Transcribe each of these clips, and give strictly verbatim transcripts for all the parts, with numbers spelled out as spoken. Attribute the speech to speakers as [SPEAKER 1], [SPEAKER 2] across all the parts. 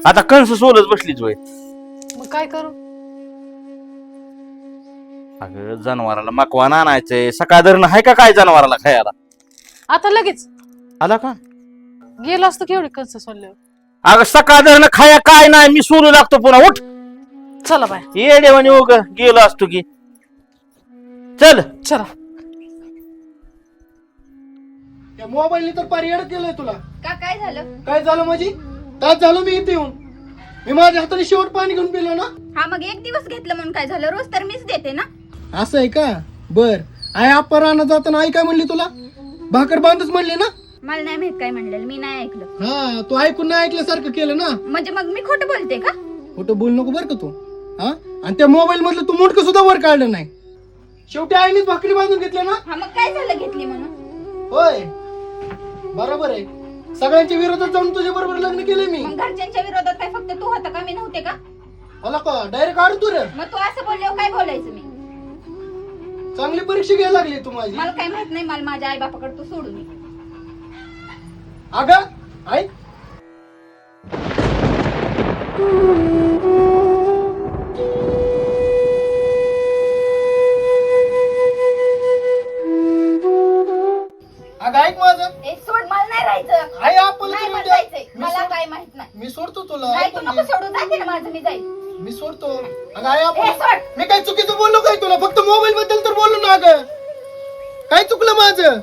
[SPEAKER 1] आता कंस सोलच बसलीच वय.
[SPEAKER 2] मग काय करू?
[SPEAKER 1] अगं जनावराला मकवान आणायचंय, सकाळ धरण आहे का काय जनावराला खायला?
[SPEAKER 2] आता लगेच
[SPEAKER 1] आला का?
[SPEAKER 2] गेलो असतो केवढी कंस सोडल्यावर.
[SPEAKER 1] अगं सकाळ धरण खाया काय नाही, मी सोलू लागतो पुन्हा. उठ
[SPEAKER 2] चला बाय.
[SPEAKER 1] ये देवानी उग गेलो असतो की. चल
[SPEAKER 2] चला.
[SPEAKER 3] त्या मोबाईलने तर पारियाड केलंय तुला.
[SPEAKER 4] का काय झालं?
[SPEAKER 3] काय झालं माझी? तास झालं मी इथे येऊन. मी माझ्या हाताने शेवट पाणी घेऊन पिलो ना.
[SPEAKER 4] हा मग एक दिवस घेतलं म्हणून काय झालं? रोज तर मीच देते ना.
[SPEAKER 3] असं आहे का? बर. आई आप्पा रानात जाताना आई काय म्हणली तुला? भाकर बांधच म्हणली ना.
[SPEAKER 4] मला नाही माहित काय म्हणलेलं, मी नाही ऐकलं.
[SPEAKER 3] हा तू ऐकून नाही ऐकल्यासारखं केलं ना.
[SPEAKER 4] म्हणजे मग मी खोटं बोलते का?
[SPEAKER 3] खोटं बोल नको बरं का तू. हा आणि त्या मोबाईल मधलं तू मुंडक सुद्धा वर काढलं नाही. शेवटी आईनेच भाकरी बांधून घेतल्या ना.
[SPEAKER 4] हा मग काय झालं घेतली म्हणून?
[SPEAKER 3] होय बरोबर आहे. सगळ्यांच्या विरोधात जाऊन तुझ्या बरोबर लग्न केलंय मी.
[SPEAKER 4] मग घरच्यांच्या विरोधात काय फक्त तू होता का, मी नव्हते का?
[SPEAKER 3] मला का डायरेक्ट काढ तू रे.
[SPEAKER 4] मग तू असं बोलल्यावर काय बोलायचं मी?
[SPEAKER 3] चांगली परीक्षा घ्यायला लागली तू माझी.
[SPEAKER 4] मला काय माहित नाही, मला माझ्या आई बापाकडे तू सोडून ये.
[SPEAKER 3] अगं आई अगं ऐक माझं.
[SPEAKER 4] ए सोड, मला नाही राहायचं.
[SPEAKER 3] आई आपण
[SPEAKER 4] नाही मला जायचंय. मला काय माहित नाही.
[SPEAKER 3] मी सोडतो तुला.
[SPEAKER 4] नाही तू नको सोडू, जाते ना माझं मी जाईल.
[SPEAKER 3] मी सोडतो. अगं आई
[SPEAKER 4] ए
[SPEAKER 3] आपण
[SPEAKER 4] सोड.
[SPEAKER 3] मी काय चुकीचं बोललो काय तुला? फक्त मोबाईल बद्दल तर बोललो ना. अगं काय चुकलं माझं?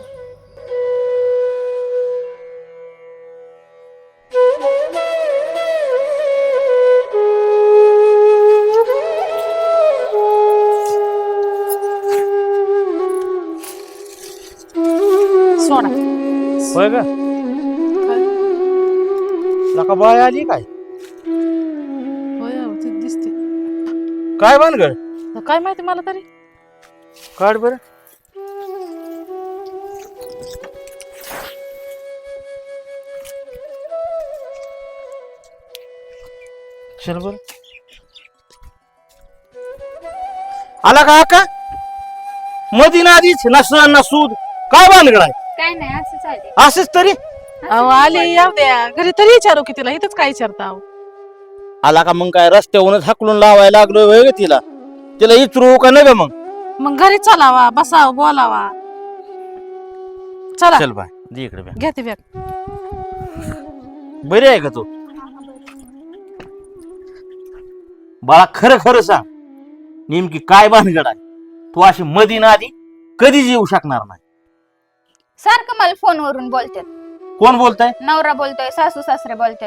[SPEAKER 2] सोडा.
[SPEAKER 1] होय ग. नका बाय आली काय?
[SPEAKER 2] होय हो, ती दिसते.
[SPEAKER 1] काय भानगड?
[SPEAKER 2] आता काय माहिती मला तरी.
[SPEAKER 1] काढ बर. चल बर. आला का का मधी ना आधीच ना सण ना सूद. काय भानगड आहे?
[SPEAKER 4] काय नाही, असं चालते.
[SPEAKER 1] असंच तरी
[SPEAKER 2] अहो आली येऊ द्या घरी तरी विचारू की तिला. इथंच काय विचारता? अहो
[SPEAKER 1] आला का मग काय रस्त्यावरूनच हाकलून लावायला लागलो होय ग तिला. तिला इचरू का नाही ग मग?
[SPEAKER 2] मग घरी चलावा, बसावा, बोलावा. चला
[SPEAKER 1] चल बाय दे इकडे बॅग.
[SPEAKER 2] घ्या ती बॅग.
[SPEAKER 1] बरी आहे का तू? बाळा खरं खरं सांग, नेमकी काय भानगड आहे? तू अशी मधी ना आधी कधीच येऊ शकणार नाही.
[SPEAKER 4] सारखं मला फोनवरून बोलतात.
[SPEAKER 1] कोण बोलताय?
[SPEAKER 4] नवरा बोलतोय, सासू सासरे बोलतात.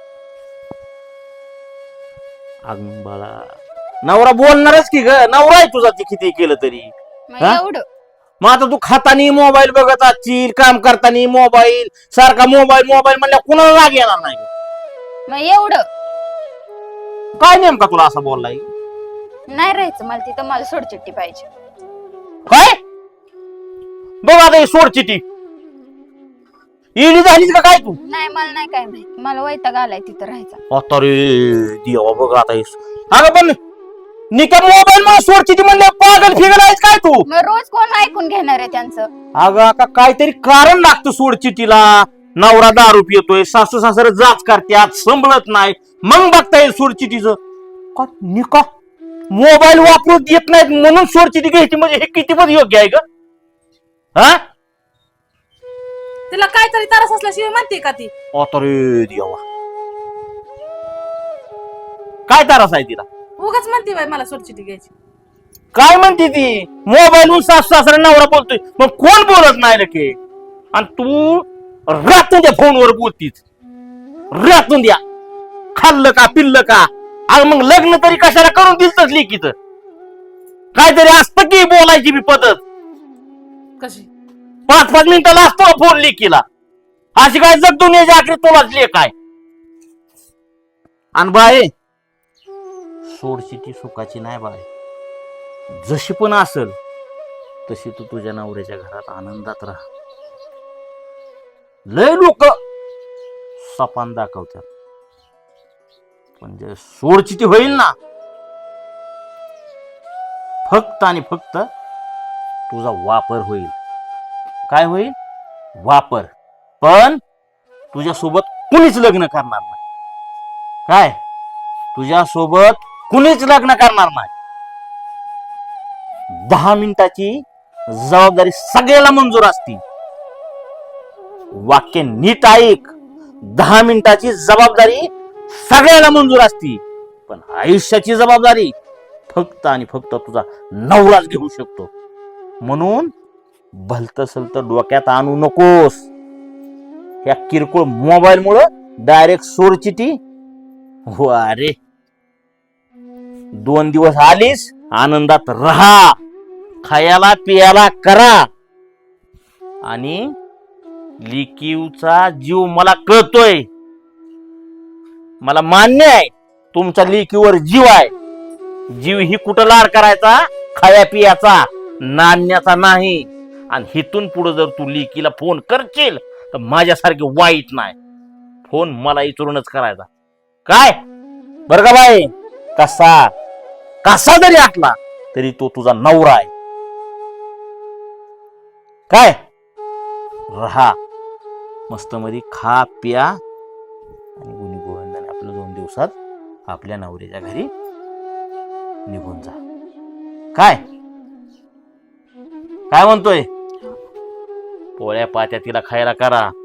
[SPEAKER 1] अगं बाळा नवरा बोलणारच की ग. नवरा आहे तुझा ती किती केलं तरी.
[SPEAKER 4] मग
[SPEAKER 1] हा?
[SPEAKER 4] एवढं
[SPEAKER 1] मग आता तू खातानी मोबाईल बघत असशील, काम करताना मोबाईल, सारखा मोबाईल मोबाईल म्हणल्या कुणाला राग येणार नाही?
[SPEAKER 4] मग एवढं
[SPEAKER 1] काय नेमका तुला असं बोललाय?
[SPEAKER 4] नाही राहायचं मला तिथं. मला सोडचिट्टी पाहिजे.
[SPEAKER 1] काय बघ आता ही सोड चिठी इली झालीच का काय तू?
[SPEAKER 4] नाही मला नाही काय माहित. मला वैताग आलाय तिथं राहायचा.
[SPEAKER 1] आता रे देवा बघ आता हे. अगं पण निका मोबाईल मला सोड चिठी म्हणले पागल फिगल आहेस काय तू?
[SPEAKER 4] मग रोज कोण ऐकून घेणार आहे त्यांचं?
[SPEAKER 1] अगं आता काहीतरी कारण लागतं सोड चिठीला. नवरा दारू पितोय, सासू सासरे जाच करतात, संभळत नाही, मग बघता येईल सोड चिठीचं का? निका मोबाईल वापरू देत नाहीत म्हणून सोड चिठी घ्यायची म्हणजे हे किती पण योग्य आहे का? हा
[SPEAKER 2] तिला काहीतरी त्रास असल्याशिवाय म्हणते का ती?
[SPEAKER 1] आता रे देवा काय त्रास आहे तिला?
[SPEAKER 2] उगाच म्हणते बाई मला सोडचिठी घ्यायची.
[SPEAKER 1] काय म्हणते ती? मोबाईल सासू सासरा नवरा बोलतोय, मग कोण बोलत नाही रे के? आणि तू रातून द्या फोनवर बोलतीस. रातून द्या खाल्लं का पिल्लं का? आणि मग लग्न तरी कशाला करून दिलतच लेकीच? काहीतरी असतं की बोलायची बी पद्धत.
[SPEAKER 2] कशी?
[SPEAKER 1] पाच पाच मिनिटाला असतो फोन लेकीला. अशी काय जग दुनियाची आखरी तुलाच लेख आहे. आणि बाय सोडची ती सुखाची नाही बाय. जशी पण असल तशी तू तुझ्या नवऱ्याच्या घरात आनंदात राहा. लय लोक सपान दाखवतात, पण जे सोडचिठी होईल ना फक्त आणि फक्त तुझा वापर होईल. काय होईल? वापर. पण तुझ्या सोबत कुणीच लग्न करणार नाही. काय तुझ्या सोबत कुणीच लग्न करणार नाही. दहा मिनिटाची जबाबदारी सगळ्याला मंजूर असती. वाक्य नीट ऐक. दहा मिनिटाची जबाबदारी सगळ्याला मंजूर असती, पण आयुष्याची जबाबदारी फक्त आणि फक्त तुझा नवराच घेऊ शकतो. म्हणून भलत सलत डोक्यात आणू नकोस. ह्या किरकोळ मोबाईल मुळे डायरेक्ट सोरचिटी. हो अरे, दोन दिवस आलीस, आनंदात राहा, खायला पियाला करा. आणि लिकीवचा जीव मला कळतोय, मला मान्य आहे तुमच्या लिकीवर जीव आहे. जीव ही कुठं लाड करायचा, खाया पियाचा, नाण्याचा नाही. आणि हिथून पुढे जर तू लिकीला फोन करशील तर माझ्यासारखे वाईट नाही. फोन मला इचरूनच करायचा. काय बर का बाई, कसा कसा जरी आटला तरी तो तुझा नवरा आहे. काय राहा मस्त मध्ये, खा प्या आणि गुणी गोविंदाने आपलं दोन दिवसात आपल्या नवऱ्याच्या घरी निघून जा. काय काय म्हणतोय? पोळ्या पात्या तिला खायला करा.